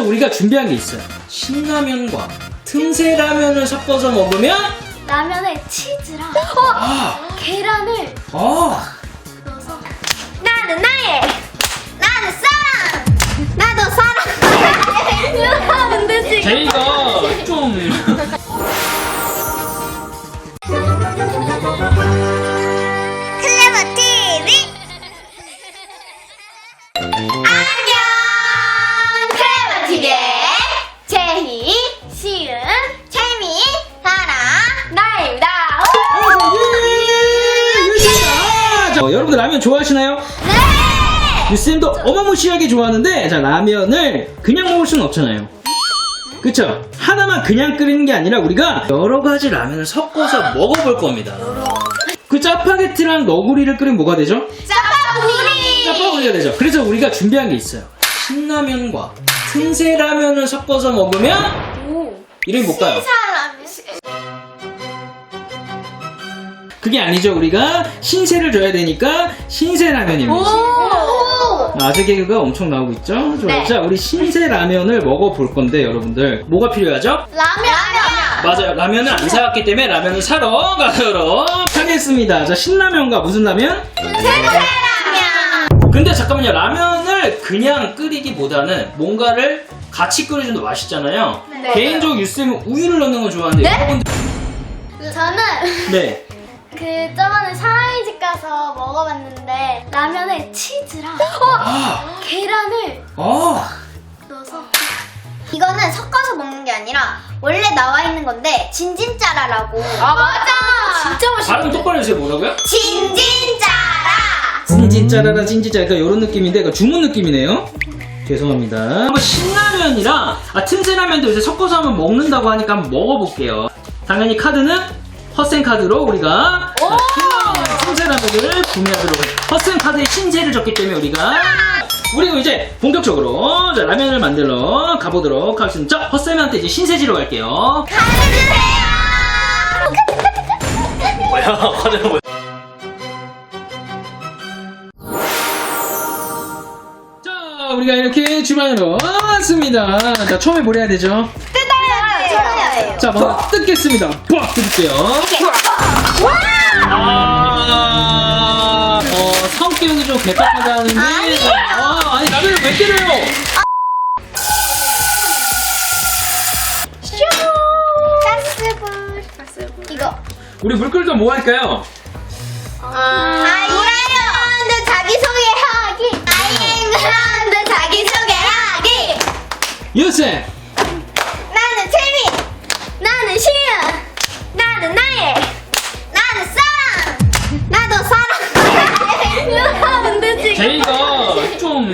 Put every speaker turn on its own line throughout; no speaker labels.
우리가 준비한 게 있어요. 신라면과 틈새 라면을 섞어서 먹으면
라면에 치즈랑 계란을
아,
넣어서 나는 나의 나는 사랑 나도 사랑 이렇게 하면 되지.
제이가 좀
클레버 TV 안녕. 클레버 TV의 제희, 시은, 채미, 사랑, 나입니다.
자, 여러분들 라면 좋아하시나요?
네.
유쌤도 어마무시하게 좋아하는데, 자, 라면을 그냥 먹을 수는 없잖아요. 그쵸? 하나만 그냥 끓이는 게 아니라 우리가 여러 가지 라면을 섞어서 먹어볼 겁니다. 그 짜파게티랑 너구리를 끓이면 뭐가 되죠?
짜파구리.
짜파구리가 되죠. 그래서 우리가 준비한 게 있어요. 신라면과 틈새 라면을 섞어서 먹으면 이름이 뭘까요? 그게 아니죠. 우리가 신세를 줘야 되니까 신세 라면입니다. 아재 개그가 엄청 나오고 있죠? 좋아요.
네.
자, 우리 신세 라면을 먹어볼 건데 여러분들 뭐가 필요하죠?
라면.
맞아요. 라면을 안 사왔기 때문에 라면을 사러 가도록 하겠습니다. 자, 신라면과 무슨 라면?
생새라면.
근데 잠깐만요. 라면을 그냥 끓이기보다는 뭔가를 같이 끓여주면 더 맛있잖아요.
네.
개인적으로 유쌤은 우유를 넣는 걸 좋아하는데
네?
여러분들
저는
네.
그 저번에 사랑이 집 가서 먹어봤는데 라면에 치즈랑 계란을 넣어서 이거는 섞어서 먹는 게 아니라 원래 나와 있는 건데 진진짜라라고. 맞아. 진짜 맛있어.
발음 똑바로 해주세요. 뭐라고요?
진진짜라.
진짜라라 진짜 약간 이런 느낌인데 이거 주문 느낌이네요. 죄송합니다. 한번 신라면이랑 틈새라면도 요새 섞어서 한번 먹는다고 하니까 한번 먹어볼게요. 당연히 카드는 허센 카드로 우리가 신라면이랑 틈새라면을 구매하도록 해요. 허센 카드에 신세를 줬기 때문에 우리가 이제 본격적으로 자, 라면을 만들러 가보도록 하겠습니다. 자, 허쌤한테 이제 신세지로 갈게요.
가르주세요.
뭐야? 화내는 뭐야? 자, 우리가 이렇게 주방으로 왔습니다. 자, 처음에 뭘 해야 되죠?
뜯어야 돼요.
자, 먼저 뜯겠습니다. 빡! 뜯을게요. 성격이 좀 개빡하다는데. 아니, 라면을 왜 때려요?
가스불. 이거.
우리 물 끓일 때 뭐 할까요?
아이앵그라운드 자기소개하기. 아이앵그라운드 자기소개하기.
유쌤!
나는 채미. 나는 시은. 나는 나의. 나는 사랑. 나도 사랑. 이렇게 하면 되지.
제이가 좀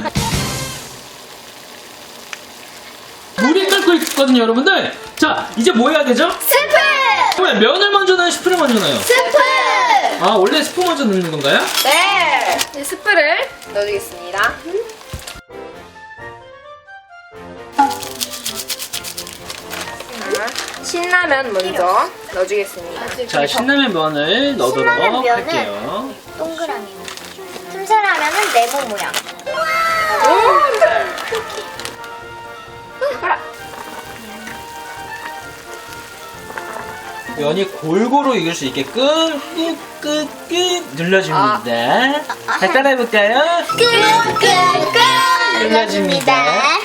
물이 끓고 있거든요, 여러분들. 자, 이제 뭐 해야 되죠?
스프.
왜 면을 먼저 넣어요? 스프를 먼저 넣어요?
스프.
아, 원래 스프 먼저 넣는 건가요?
네, 이제 스프를 넣어주겠습니다. 자, 신라면 먼저 넣어주겠습니다.
자, 신라면 면을 넣도록
신라면 면을
할게요.
동그라미. 틈새라면은 네모 모양.
면이 골고루 익을 수 있게끔 꾹꾹꾹 눌러줍니다. 자, 따라해볼까요?
꾹꾹꾹
눌러줍니다.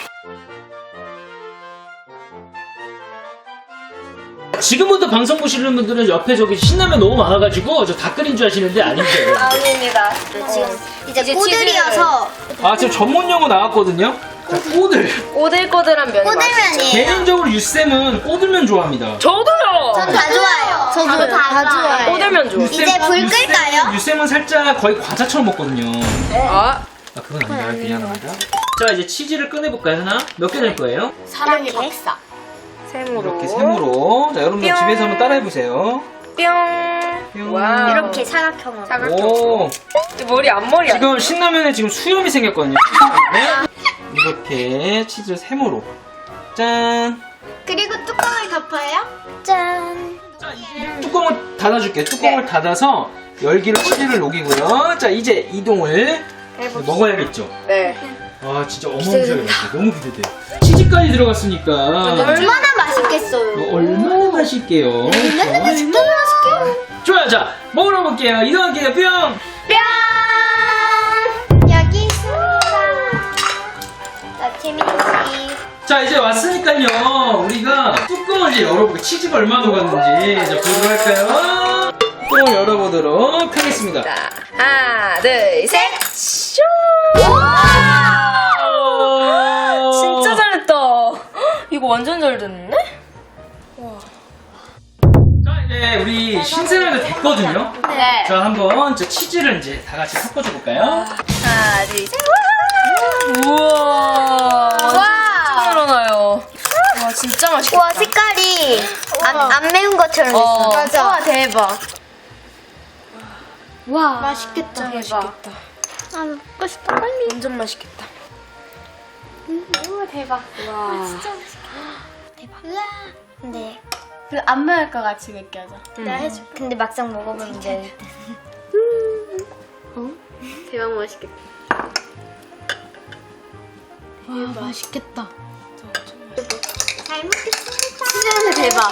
지금부터 방송 보시는 분들은 옆에 저기 신라면 너무 많아가지고 저 다 끓인 줄 아시는데 아니죠?
아닙니다.
지금 이제
이제
꼬들이어서
아, 지금 전문 용어 나왔거든요? 자, 꼬들.
오들꼬들한 면이 맛있죠.
꼬들면이에요.
개인적으로 유쌤은 꼬들면 좋아합니다.
저도요!
전 다 좋아요. 저도 다 좋아요.
꼬들면 좋아.
이제 불 끌까요?
유쌤은 살짝 거의 과자처럼 먹거든요.
아,
그건 아니라 미안합니다. 자, 이제 치즈를 꺼내볼까요, 하나? 몇 개 낼 거예요?
사랑의 박사.
셈으로.
이렇게 셈으로. 자, 여러분들
뿅.
집에서 한번 따라해보세요.
뿅. 와우.
이렇게 사각형으로.
오.
머리 앞머리 아니야?
지금 신라면에 지금 수염이 생겼거든요. 네? 이렇게 치즈 셈으로. 짠.
그리고 뚜껑을 덮어요. 짠.
자, 이제 뚜껑을 닫아줄게요. 뚜껑을 닫아서 열기로 치즈를 녹이고요. 자, 이제 이동을 먹어야겠죠.
네.
아 진짜 어마무시하게 맛있어. 너무 기대돼. 치즈까지 들어갔으니까
얼마나 맛있겠어요.
얼마나 맛있게요.
얼마나 맛있게요.
좋아요. 자 먹으러 볼게요. 이동할게요. 뿅.
뿅! 여기 있습니다. 자, 재민씨.
자 이제 왔으니까요. 우리가 뚜껑을 이제 열어볼게요. 치즈가 얼마나 녹았는지. 자 보도록 할까요? 뚜껑을 열어보도록 하겠습니다.
자, 하나, 둘, 셋. 슈! 진짜 잘했다. 이거 완전 잘 됐네?
자 이제 우리 신세라가 됐거든요.
네.
자 한번 저 치즈를 이제 다 같이 섞어줘 볼까요?
하나, 둘, 셋. 우와. 진짜 늘어나요. 와, 진짜 맛있겠다.
와, 색깔이 안 매운 것처럼 있어.
맞아.
와, 대박. 와,
맛있겠다.
대박.
맛있겠다.
아, 먹고 싶다, 빨리.
완전 맛있겠다.
우와, 대박.
와.
진짜 맛있겠다. 대박. 우와. 근데 안 매울 것 같이 느껴져. 내가 해줄게. 근데 막상 먹어보면 이제 대박 맛있겠다.
와, 맛있겠다.
잘 먹겠습니다. 진짜 대박.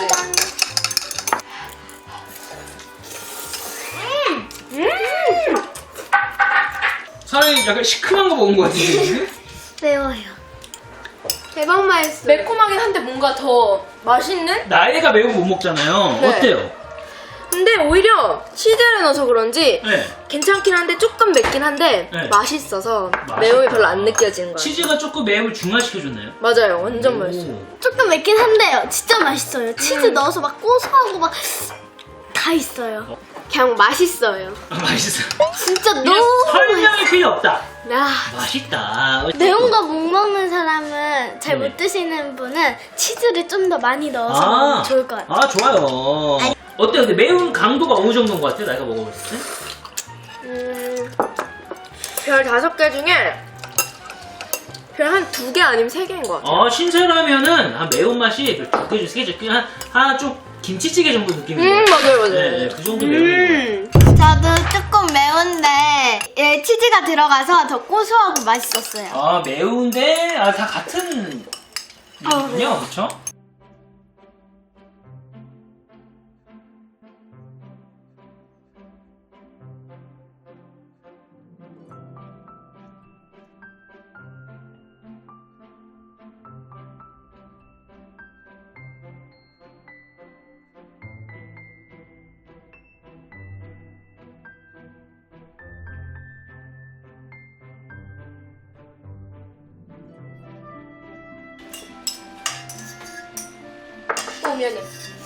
사람이 약간 시큼한 거 먹은 거 같은데 지금?
매워요. 대박 맛있어.
매콤하긴 한데 뭔가 더 맛있는?
나이가 매운 거 못 먹잖아요.
네.
어때요?
근데 오히려 치즈를 넣어서 그런지
네.
괜찮긴 한데 조금 맵긴 한데
네.
맛있어서
맛있다.
매움이 별로 안 느껴지는 거예요.
치즈가 조금 매움을 중화시켜줬나요?
맞아요. 완전 맛있어요.
오.
조금 맵긴 한데요. 진짜 맛있어요. 치즈 넣어서 막 고소하고 막 다 있어요. 그냥 맛있어요.
아, 맛있어.
진짜
그냥
너무
설명이 필요 없다.
아,
맛있다.
매운 거 못 먹는 사람은 잘 못
네.
드시는 분은 치즈를 좀 더 많이 넣어서
아,
먹으면 좋을 것 같아요.
아 좋아요. 어때요? 근데 매운 강도가 어느 정도인 것 같아요? 내가 먹어봤을 때?
별 5개 중에 별 한 2개 아니면 3개인 것 같아요.
신세라면은 매운맛이 2개 중 3개 중 하나 좀 김치찌개 정도 느낌인데.
맞아요, 맞아요.
네, 그 정도 매운
저도 조금 매운데 치즈가 들어가서 더 고소하고 맛있었어요.
거. 매운데 다 같은 이군요, 그렇죠?
미안해.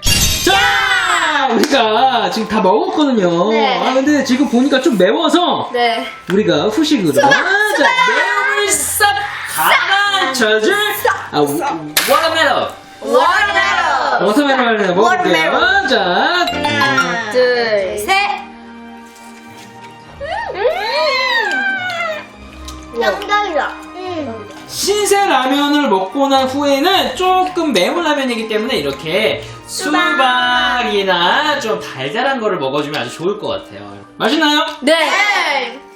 자, 우리가 지금 다 먹었거든요.
네.
근데 지금 보니까 좀 매워서
네.
우리가 후식으로 매움을 싹 가라앉혀줄 워터멜론. 워터멜론을 먹을게요. 자,
하나,
둘,
셋. 정답이다.
신세 라면을 먹고 난 후에는 조금 매운 라면이기 때문에 이렇게 수박이나 좀 달달한 거를 먹어주면 아주 좋을 것 같아요. 맛있나요?
네.